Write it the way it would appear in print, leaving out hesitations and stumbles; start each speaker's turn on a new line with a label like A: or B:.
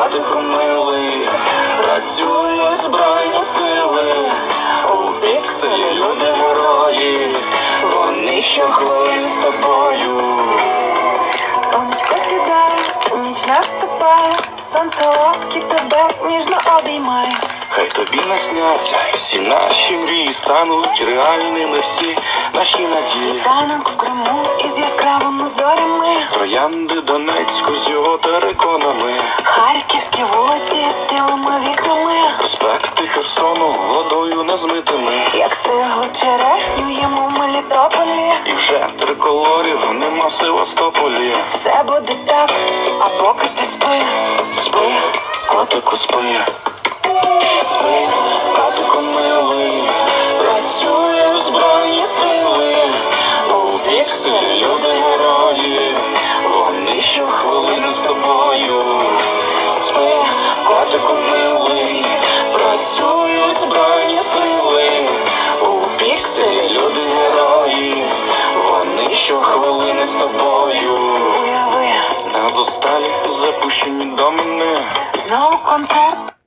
A: котику милий, працюють збройні сили, у пікселі люди герої, вони щохвилини з тобою.
B: Сонечко сідає, ніч наступає, сонце лапки тебе ніжно обіймає.
A: Хай тобі насняться всі наші мрії, стануть реальними всі наші надії.
B: Танок в Криму із яскравими зорями,
A: Троянди Донецьку з його териконами,
B: харківські вулиці з цілими вікнами,
A: проспекти Херсону водою незмитими.
B: як стиглу черешню їмо в Мелітополі.
A: І вже триколорів нема в Севастополі.
B: Все буде так, а поки ти спи.
A: Спи, котику, спи. Спи, котику милий, працюють збройні сили, у пікселі люди герої, вони щохвилини з тобою. Спи, котику милий, працюють збройні сили, у пікселі люди герої, вони щохвилини з тобою.
B: Уяви,
A: На зосталі запущені домини,
B: знову концерт.